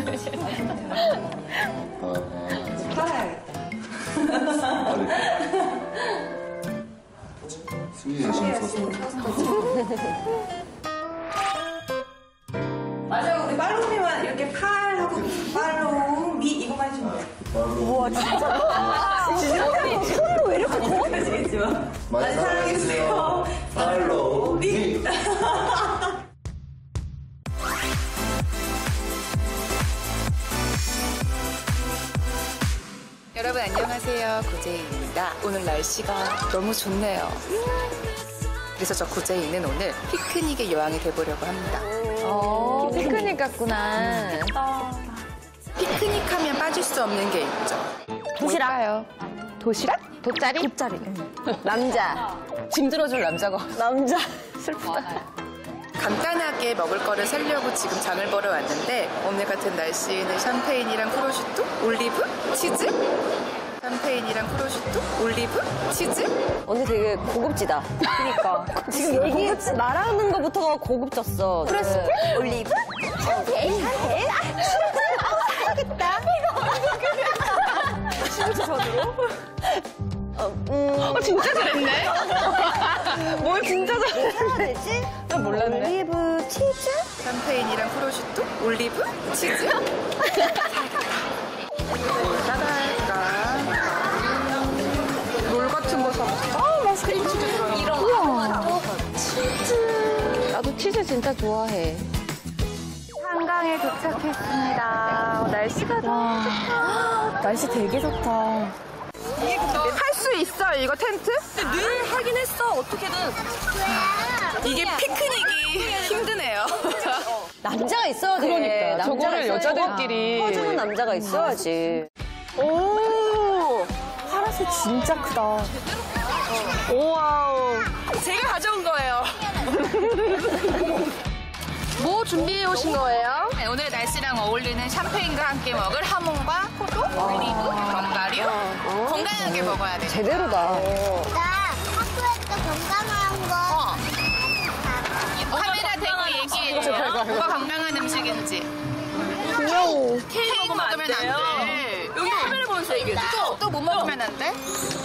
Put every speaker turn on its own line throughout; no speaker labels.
승리의 심 서서.
맞아요. 우리 팔로우미만 이렇게 팔하고 팔로우미 이거만 해주면 돼요.
우와, 진짜. 손도 왜 이렇게 커?
아시겠지만. 많이 사랑해주세요. 팔로우미.
여러분 안녕하세요. 고재희입니다. 오늘 날씨가 너무 좋네요. 그래서 저 고재희는 오늘 피크닉의 여왕이 돼보려고 합니다.
피크닉 같구나.
피크닉 하면 빠질 수 없는 게 있죠.
도시락요. 도시락? 돗자리? 돗자리. 남자.
짐 들어줄 남자가
남자. 슬프다.
간단하게 먹을 거를 사려고 지금 장을 보러 왔는데 오늘 같은 날씨에는 샴페인이랑 프로슈토, 올리브, 치즈? 샴페인이랑 프로슈토, 올리브, 치즈?
언니 되게 고급지다. 그니까. 지금 얘기 말하는 거부터가 고급졌어. 프레스토, 올리브, 샴페인. 사야겠다. 진짜 저도요?
진짜 잘했네? 뭘 진짜 잘했네?
해야 되지?
난 몰랐네.
올리브, 치즈?
샴페인이랑 프로슈토, 올리브, 치즈? 사갈까? 롤 같은 거 사볼까?
맛있겠다. 이런 거. 치즈. 나도 치즈 진짜 좋아해.
한강에 도착했습니다. 날씨가 너무 좋다.
날씨 되게 좋다.
할 수 있어, 이거 텐트?
늘 하긴 했어, 어떻게든.
이게 피크닉이 힘드네요.
남자가 있어야 돼.
그러니까. 저거를 여자들끼리.
퍼주는 남자가 있어야지.
오! 파라솔 진짜 크다. 오와우.
제가 가져온 거예요.
뭐 준비해 오신 거예요?
네, 오늘 날씨랑 어울리는 샴페인과 함께 먹을 하몽과 포도, 올리브, 견과류. 건강하게 먹어야 돼.
제대로다.
나 학교에서 건강한 거.
카메라 대고 얘기해줘. 뭐가 건강한 음식인지.
귀여워.
케이크 먹으면 안 돼. 여기 카메라 보면서 얘기해줘. 또 뭐 먹으면 안 돼?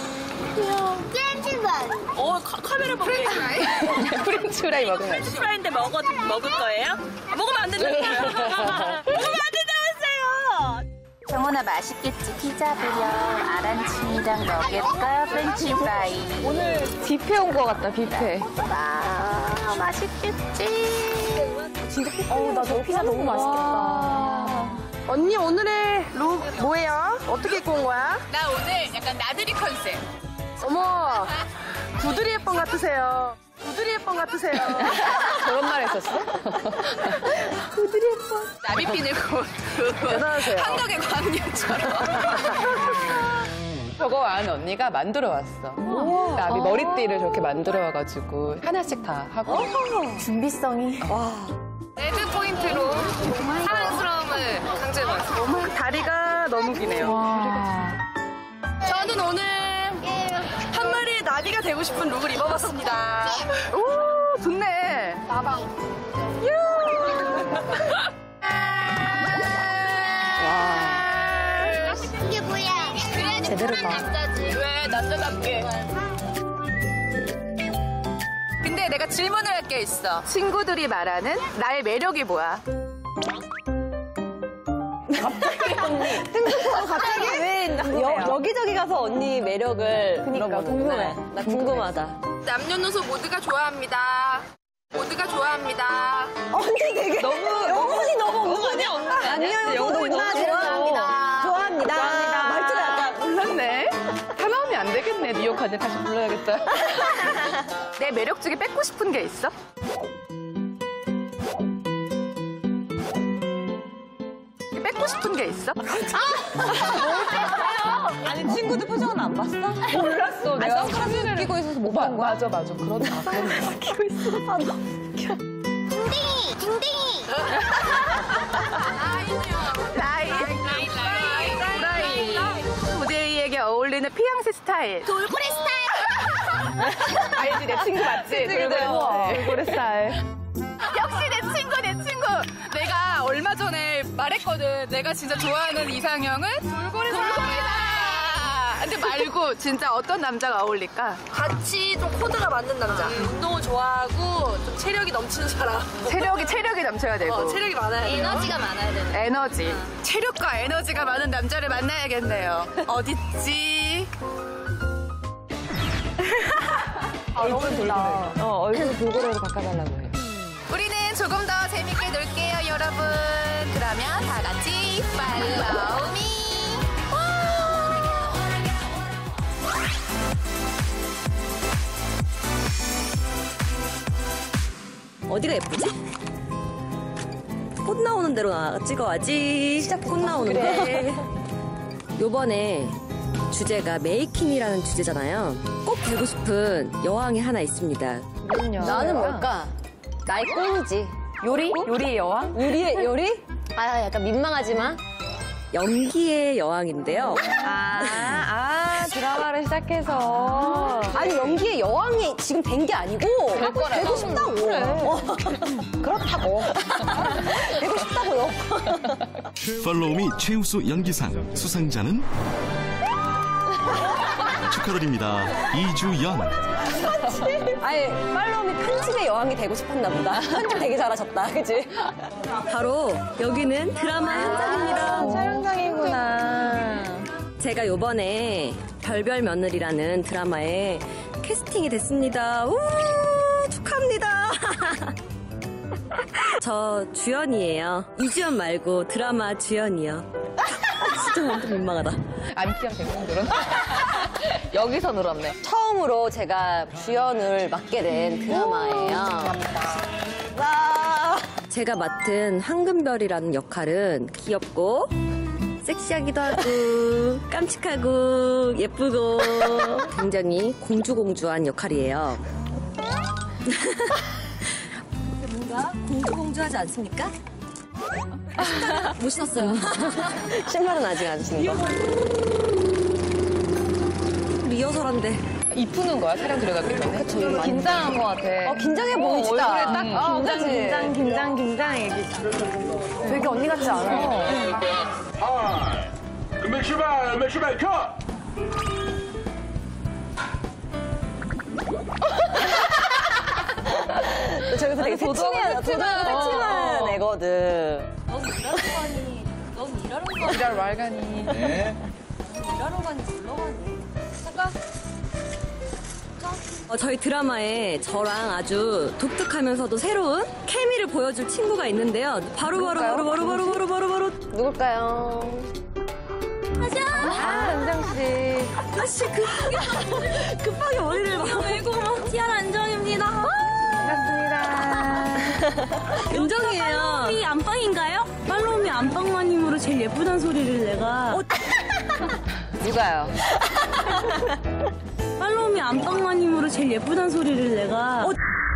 렌즈만.
카메라 보고
프렌치 프라이 먹으면 안 돼.
프라이인데 먹을 거예요? 먹으면 안 된다고요. 먹으면 안 된다고 했어요.
정원아 맛있겠지? 피자 보려. 아란치미랑 너겟과 프렌치 프라이.
오늘 뷔페 온 거 같다, 뷔페.
와 맛있겠지?
나저 피자 너무 맛있겠다.
언니 오늘의 룩 뭐예요? 어떻게 입고 온 거야?
나 오늘 약간 나들이 컨셉.
어머, 구두리 예쁜 같으세요. 구두리 예쁜 같으세요.
저런 말 했었어?
나비핀을 고도
대단하세요.
한국의 광녀처럼.
저거 안 언니가 만들어 왔어. 나비 머리띠를 저렇게 만들어 와가지고 하나씩 다 하고.
준비성이.
레드 포인트로 사랑스러움을 강조해봤어.
다리가 너무 기네요. 저는 오늘 한 마리의 나비가 되고 싶은 룩을 입어봤습니다.
오, 좋네.
이게 뭐야?
제대로다.
왜 남자답게. 근데 내가 질문을 할 게 있어. 친구들이 말하는 나의 매력이 뭐야?
갑자기 왜 여기저기 가서 언니 매력을 물어보는
궁금해.
나 궁금하다.
남녀노소 모두가 좋아합니다. 모두가 좋아합니다.
언니 되게 영혼이 너무 없는 거 아니야? 아니요, 영혼이 너무 좋아합니다. 좋아합니다. 말투가 약간
몰랐네. 다 나오면 안 되겠네. 뉴욕 가서 다시 불러야겠다.
내 매력 중에 뺏고 싶은 게 있어? 뺏고 싶은 게 있어?
아니 친구들 표정은 안 봤어?
몰랐어. 내가
선글라스 끼고 있어서 못 본 거야?
맞아. 그렇네.
끼고 있어. 아, 너.
딩딩이, 딩딩이.
라이. 고재희에게 어울리는 피앙새 스타일.
돌고래 스타일.
알지, 내 친구 맞지? 돌고래 스타일.
역시 내 친구. 내가 얼마 전에 말했거든. 내가 진짜 좋아하는 이상형은 돌고래다. 근데 말고 진짜 어떤 남자가 어울릴까?
같이 좀 코드가 맞는 남자. 운동을 좋아하고 좀 체력이 넘치는 사람.
체력이 넘쳐야 되고.
체력이 많아야 돼요.
에너지가 많아야 되는.
에너지. 체력과 에너지가 많은 남자를 만나야겠네요. 어딨지?
얼굴 돌고래. 얼굴 돌고래로 바꿔달라고 해.
우리는 조금 더 재밌게 놀게요, 여러분. 그러면 다 같이 팔로우 미.
어디가 예쁘지? 꽃 나오는 대로 찍어야지. 시작 꽃 나오는데. 요번에 주제가 메이킹이라는 주제잖아요. 꼭 되고 싶은 여왕이 하나 있습니다.
나는 뭘까? 나의 꿈이지.
요리? 요리의 여왕?
요리? 아, 약간 민망하지만.
연기의 여왕인데요.
드라마를 시작해서.
아니 연기의 여왕이 지금 된 게 아니고 되고 싶다고. 그렇다고. 되고 싶다고요.
팔로우미 최우수 연기상 수상자는 축하드립니다. 이주연.
아니 팔로우미 편집의 여왕이 되고 싶었나 보다. 편집 되게 잘하셨다, 그치? 바로 여기는 드라마 현장입니다.
촬영장이구나.
제가 요번에 별별 며느리라는 드라마에 캐스팅이 됐습니다. 우 축하합니다. 저 주연이에요. 이주연 말고 드라마 주연이요. 진짜 완전 민망하다.
안티한 백명 늘었네. 여기서 늘었네.
처음으로 제가 주연을 맡게 된 드라마예요. 제가 맡은 황금별이라는 역할은 귀엽고 섹시하기도 하고 깜찍하고 예쁘고 굉장히 공주공주한 역할이에요. 뭔가 공주공주하지 않습니까? 못 신었어요. 신발은 아직 안 신은 거. 리허설한데.
이쁘는 거야, 촬영 들어가기 전에? 그쵸, 긴장한 것 같아.
긴장해 보이지다.
얼굴에 딱
긴장.
되게 언니 같지 않아?
준비 출발, 컷!
저기서 되게 새침한 애거든.
일할 말가니.
네.
저희 드라마에 저랑 아주 독특하면서도 새로운 케미를 보여줄 친구가 있는데요. 바로
누굴까요?
은정 씨.
아씨 급하게 머리를 메고 티아라 안정입니다.
반갑습니다.
은정이에요.
팔로우미 안방인가요? 팔로우미 안방마님으로 제일 예쁘단 소리를 내가
누가요?
팔로우미 안방마님으로 제일 예쁘단 소리를 내가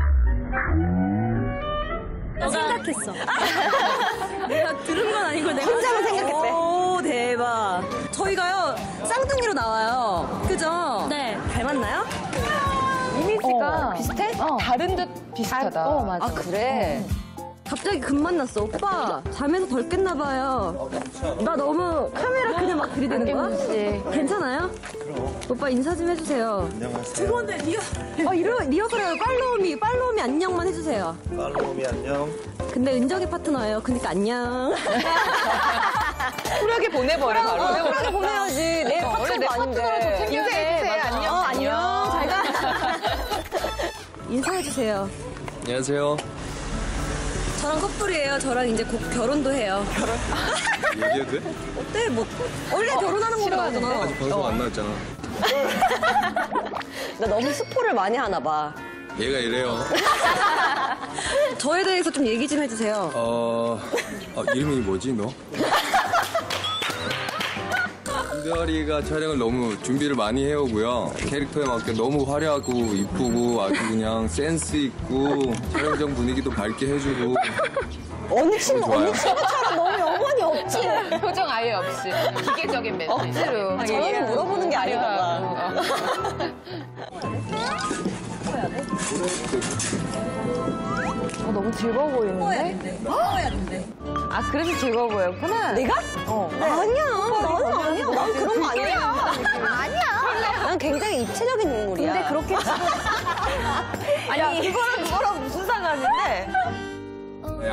생각했어. 내가 들은 건 아니고 내가
혼자만 생각했대. 오 대박. 저희가요 쌍둥이로 나와요. 그죠?
네.
닮았나요?
이미지가
비슷해?
다른 듯 비슷하다.
맞아. 아 그래? 갑자기 급 만났어. 오빠 잠에서 덜 깼나 봐요. 나 너무 카메라 그냥 막 들이대는 거야? 괜찮아요? 오빠 인사 좀 해주세요.
안녕하세요.
죄송한데 리허설해요. 팔로우미 안녕만 해주세요.
팔로우미 안녕.
근데 은정이 파트너예요. 그러니까 안녕.
쿨하게 보내버려, 바로.
쿨하게 보내야지. 내 파트너가 아닌데.
인사해주세요. 안녕.
안녕. 잘 가. 인사해주세요.
안녕하세요.
저랑 커플이에요. 저랑 이제 곧 결혼도 해요.
얘기해도 돼?
어때? 뭐 원래 결혼하는 걸로 하잖아.
아직 방송 안 나왔잖아.
나 너무 스포를 많이 하나 봐.
얘가 이래요.
저에 대해서 좀 얘기 좀 해주세요.
이름이 뭐지, 너? 은별이가 촬영을 너무 준비를 많이 해오고요. 캐릭터에 맞게 너무 화려하고 이쁘고 아주 그냥 센스 있고 촬영장 분위기도 밝게 해주고.
언니 친구처럼 너무 영혼이 없지.
표정 아예 없이. 기계적인 멘트. 억지로.
저는 물어보는 게 아닌가 봐.
너무 즐거워 보이는데?
먹어야 된대.
아, 그래서 즐거워 보였구나.
내가? 아니야. 나는 아니야. 난 그런 거 아니야.
아니야.
난 굉장히 입체적인 인물이야.
근데 그렇게 아니 그걸